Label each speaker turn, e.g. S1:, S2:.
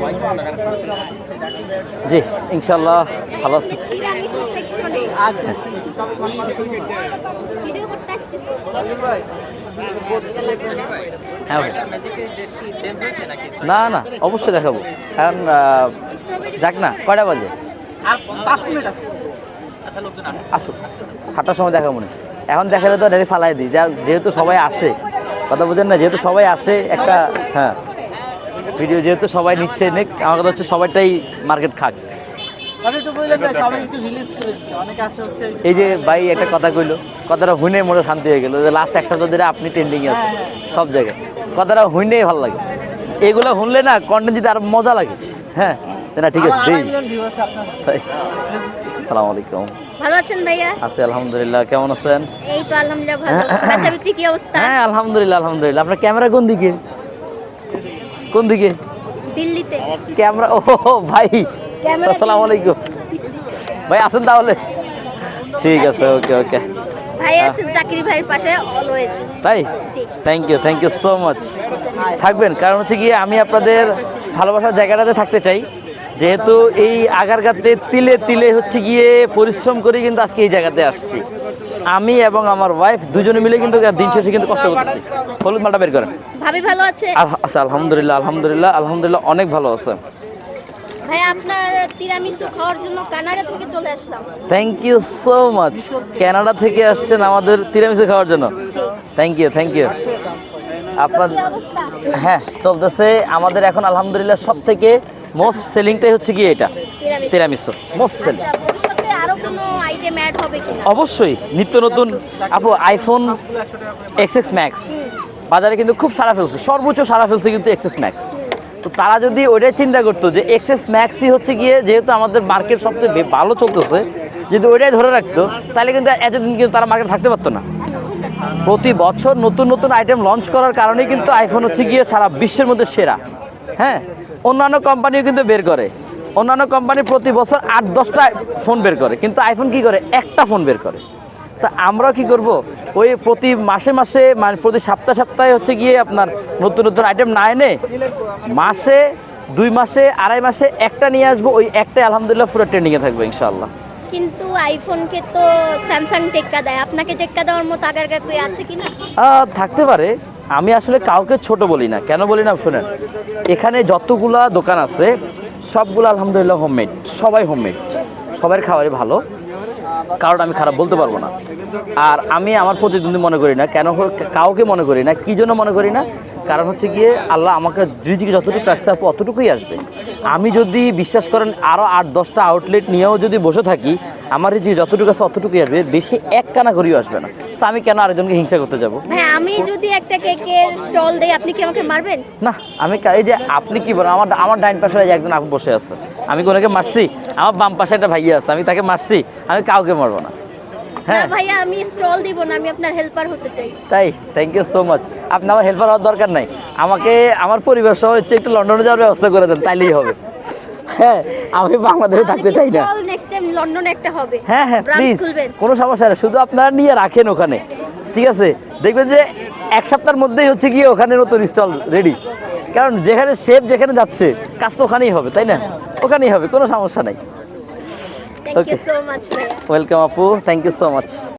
S1: জি ইনশাআল্লাহ ভালো আছি। হ্যাঁ ভাই, না না অবশ্যই দেখাবো, কারণ যাক না কয়টা বাজে, আসুক 7টার সময় দেখাবো না, এখন দেখালে তো ডাইরেক্ট ফালাই দিই, যেহেতু সবাই আসে, কথা বুঝেন না, যেহেতু সবাই আসে একটা, হ্যাঁ ভিডিও যেহেতু সবাই নিচ্ছে নিক, আমার কথা হচ্ছে সবাইটাই মার্কেট খাক। এই যে ভাই একটা কথা কইলো, কথাটা হুইনে মোটে শান্তি হয়ে গেল, যে লাস্ট 1 সপ্তাহ ধরে আপনি ট্রেন্ডিং আছে সব জায়গায়, কথাটা হুইনেই ভালো লাগে, এগুলো শুনলে না কন্টেন্ট দিতে আরো মজা লাগে। হ্যাঁ না ঠিক আছে, আসসালামু আলাইকুম।
S2: ভালো আছেন ভাইয়া?
S1: আছি আলহামদুলিল্লাহ, কেমন আছেন?
S2: এই তো আলহামদুলিল্লাহ ভালো। বেচা বিক্রি কি অবস্থা?
S1: হ্যাঁ আলহামদুলিল্লাহ আলহামদুলিল্লাহ। আপনার ক্যামেরা কোন দিকে? কোন দিকে?
S2: দিল্লিতে
S1: ক্যামেরা, ও ভাই আসসালামু আলাইকুম ভাই, আছেন তাহলে? ঠিক আছে, ওকে ওকে।
S2: ভাই আছেন জাকির ভাইয়ের পাশে অলওয়েজ।
S1: তাই, থ্যাংক ইউ সো মাচ। থাকবেন, কারণ হচ্ছে গিয়ে আমি আপনাদের ভালোবাসার জায়গাটাতে থাকতে চাই, যেহেতু এই আগারগাঁতে তিলে তিলে হচ্ছে গিয়ে পরিশ্রম করে কিন্তু আজকে এই জায়গাতে আসছি, আমি এবং আমার ওয়াইফ দুজনে মিলে কিন্তু দিন শেষে কিন্তু কষ্ট করতেছি। হলুদ মালটা বের করেন।
S2: ভাবি ভালো আছে?
S1: আচ্ছা আলহামদুলিল্লাহ আলহামদুলিল্লাহ আলহামদুলিল্লাহ, অনেক ভালো আছে।
S2: ভাই আপনার তিরামিসু খাওয়ার জন্য কানাডা থেকে চলে আসলাম।
S1: Thank you so much. Canada থেকে আসছেন আমাদের তিরামিসু খাওয়ার জন্য, থ্যাংক ইউ। আপনার হ্যাঁ চলতেছে আমাদের এখন আলহামদুলিল্লাহ, সব থেকে মোস্ট সেলিংটাই হচ্ছে গিয়ে এটা তিরামিসু, মোস্ট সেলিং।
S2: আরো কোনো আইটেম অ্যাড হবে কিনা?
S1: অবশ্যই নিত্য নতুন, আপু আইফোন XX ম্যাক্স বাজারে কিন্তু খুব সারা ফেলছে, সর্বোচ্চ সারা ফেলছে কিন্তু XX ম্যাক্স। তো তারা যদি ওইটাই চিন্তা করতো যে XX ম্যাক্সই হচ্ছে গিয়ে, যেহেতু আমাদের মার্কেট সবচেয়ে ভালো চলতেছে, যদি ওইটাই ধরে রাখতো, তাহলে কিন্তু এতদিন কিন্তু তারা মার্কেট থাকতে পারতো না। প্রতি বছর নতুন নতুন আইটেম লঞ্চ করার কারণেই কিন্তু আইফোন হচ্ছে গিয়ে সারা বিশ্বের মধ্যে সেরা। হ্যাঁ, অন্যান্য কোম্পানিও কিন্তু বের করে, অন্যান্য কোম্পানি প্রতি বছর 8-10টা ফোন বের করে, কিন্তু আইফোন কি করে, একটা ফোন বের করে। তা আমরাও কি করব, ওই প্রতি মাসে মাসে মানে প্রতি সপ্তাহে হচ্ছে গিয়ে আপনার নতুন নতুন আইটেম না এনে মাসে 2 মাসে 2.5 মাসে একটা নিয়ে আসবো, ওই একটাই আলহামদুলিল্লাহ পুরো ট্রেন্ডিংয়ে থাকবে ইনশাআল্লাহ।
S2: কিন্তু আইফোনকে তো স্যামসাং টেক্কা দেয়, আপনাকে টেক্কা দেওয়ার মতো আগারগাঁতে আছে কিনা?
S1: থাকতে পারে, আমি আসলে কাউকে ছোট বলি না, কেন বলি না শোনেন, এখানে যতগুলা দোকান আছে সবগুলো আলহামদুলিল্লাহ হোমমেড, সবাই হোমমেড, সবার খাবারই ভালো, কারণ আমি খারাপ বলতে পারবো না। আর আমি আমার প্রতিদ্বন্দ্বী মনে করি না, কেন কাউকে মনে করি না, কী জন্য মনে করি না, কারণ হচ্ছে গিয়ে আল্লাহ আমাকে রিজিকে যতটুকু রাখছে আপু অতটুকুই আসবে। আমি যদি বিশ্বাস করেন আরও 8-10টা আউটলেট নিয়েও যদি বসে থাকি, আমার রিজিকে যতটুকু আছে অতটুকুই আসবে, বেশি এক কানা করেও আসবে না। তো আমি কেন আরেকজনকে হিংসা করতে যাবো?
S2: হ্যাঁ, আমি যদি একটা কেকের স্টল দেই, আপনি কি আমাকে মারবেন?
S1: না, আমি এই যে আপনি কি বলেন, আমার ডাইন পাশে একজন আপু বসে আছে, আমি কোনোকে মারছি? আমার বাম পাশে একটা ভাইয়া আছে, আমি তাকে মারছি? আমি কাউকে মারবো না।
S2: হ্যাঁ ভাইয়া, আমি স্টল দিব না, আমি আপনার হেল্পার হতে চাই।
S1: তাই, থ্যাংক ইউ সো মাচ। আপনি আমার হেল্পার হওয়ার দরকার নাই, আমাকে আমার পরিবার সহ হচ্ছে একটু লন্ডনে যাওয়ার ব্যবস্থা করে দেন, তাইলেই হবে। হ্যাঁ, আমি বাংলাদেশে থাকতে চাই না।
S2: নেক্সট টাইম লন্ডনে একটা হবে।
S1: হ্যাঁ প্লিজ, কোনো সমস্যা নেই, শুধু আপনারা নিয়ে রাখেন ওখানে, ঠিক আছে? দেখবেন যে 1 সপ্তাহের মধ্যেই হচ্ছে গিয়ে ওখানে নতুন স্টল রেডি, কারণ যেখানে শেফ যেখানে যাচ্ছে কাজ তো ওখানেই হবে, তাই না? ওখানেই হবে, কোনো সমস্যা নাই।
S2: থ্যাংক ইউ সো মাচ ভাইয়া।
S1: ওয়েলকাম আপু, থ্যাংক ইউ সো মাচ।